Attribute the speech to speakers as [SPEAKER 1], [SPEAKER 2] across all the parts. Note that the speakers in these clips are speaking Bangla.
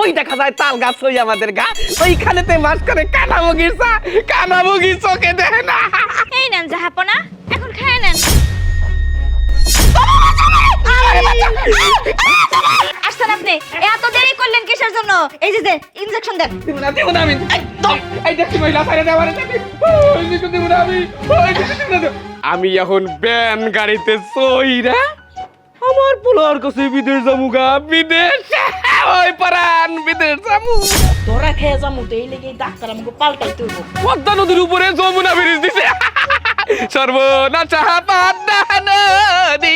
[SPEAKER 1] ওই দেখা যায় তাল গাছ ওই আমাদের গা ওইখানেতে মাছ করে কানামুগির চোখে দেখে না।
[SPEAKER 2] এই নেন জাহাপনা, এখন খেয়ে নেন। আসছেন আপনি, এত দেরি করলেন কিসের জন্য? এই যে ইনজেকশন দেন।
[SPEAKER 1] দিব না আমি একদম এই দেখি মহিলা ছাড়ে দেওয়ারে দেখি ওই দিকে দিব না আমি ওই দিকে দিব না। আমি এখন ব্যান গাড়িতে সইরা আমার পোলার কাছে বিদেশ যামুগা, বিদেশ ওই পারান বিদেশ যামু।
[SPEAKER 3] ধরা খেয়ে যামু তো এই লেগে ডাক্তার আমাকে পাল্টাইতে হইব।
[SPEAKER 1] পদ্মা নদীর উপরে যমুনা ব্রিজ দিছে সর্বনাশা পদ্মা নদী।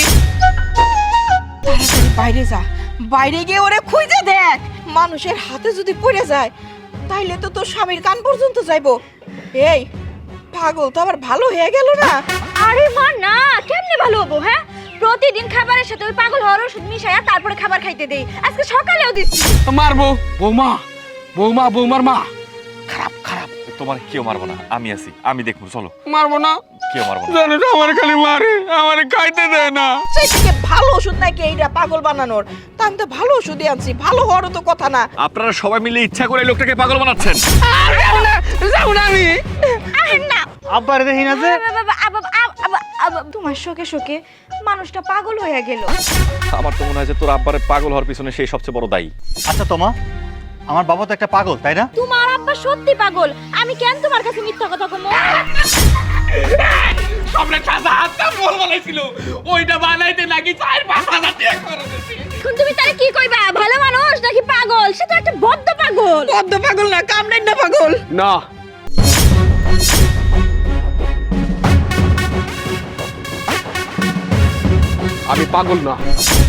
[SPEAKER 3] তাড়াতাড়ি বাইরে যা, বাইরে গিয়ে ওরে খুঁজে দেখ। মানুষের হাতে যদি পড়ে যায় তাইলে তো তোর স্বামীর কান পর্যন্ত যাইবো। এই পাগল তো আবার ভালো হয়ে গেল না?
[SPEAKER 2] আরে মা না, কেমনে ভালো হবো? হ্যাঁ, প্রতিদিন খাবারের সাথে ওই পাগল হওয়ার ওষুধ মিশায়া তারপরে খাবার খাইতে দেই। আজকে সকালেও দিচ্ছি।
[SPEAKER 1] মারবো বৌমার মা খারাপ খারাপ।
[SPEAKER 4] তোমার কেউ মারবো না, আমি আছি, আমি দেখবো, চলো।
[SPEAKER 1] মারবো না,
[SPEAKER 4] কেউ মারবো না।
[SPEAKER 1] জানো তো আমার খালি মারে, আমার খাইতে দেয় না।
[SPEAKER 3] সেই থেকে ভালো ওষুধ নাকি এইটা পাগল বানানোর? তা আমি তো ভালো ওষুধই আনছি, ভালো হওয়ারও তো কথা না।
[SPEAKER 4] আপনারা সবাই মিলে ইচ্ছা করে এই লোকটাকে পাগল বানাচ্ছেন।
[SPEAKER 1] যাও না আমি
[SPEAKER 2] আহেন না
[SPEAKER 5] আব্বারে দেখি না যে
[SPEAKER 2] তোমার শোকে শোকে মানুষটা পাগল হয়ে গেল।
[SPEAKER 4] আমার তো মনে হয় যে তোর আব্বারে পাগল হওয়ার পিছনে সেই সবচেয়ে বড় দায়ী।
[SPEAKER 5] আচ্ছা তোমা, আমার বাবা তো একটা পাগল, তাই না?
[SPEAKER 2] তোমার আব্বা সত্যি পাগল, আমি কেন তোমার কাছে মিথ্যা কথা কমো?
[SPEAKER 1] সামনে খাসা হাতটা বল বানাইছিল, ওইটা বানাইতে নাকি 4-5 হাজার টাকা খরচ হয়েছে।
[SPEAKER 2] এখন তুমি তারে কি কইবা? ভালো মানুষ নাকি পাগল? সে তো একটা বদ্ধ পাগল।
[SPEAKER 3] বদ্ধ পাগল না, কামড়াই না পাগল।
[SPEAKER 1] না আমি পাগল না।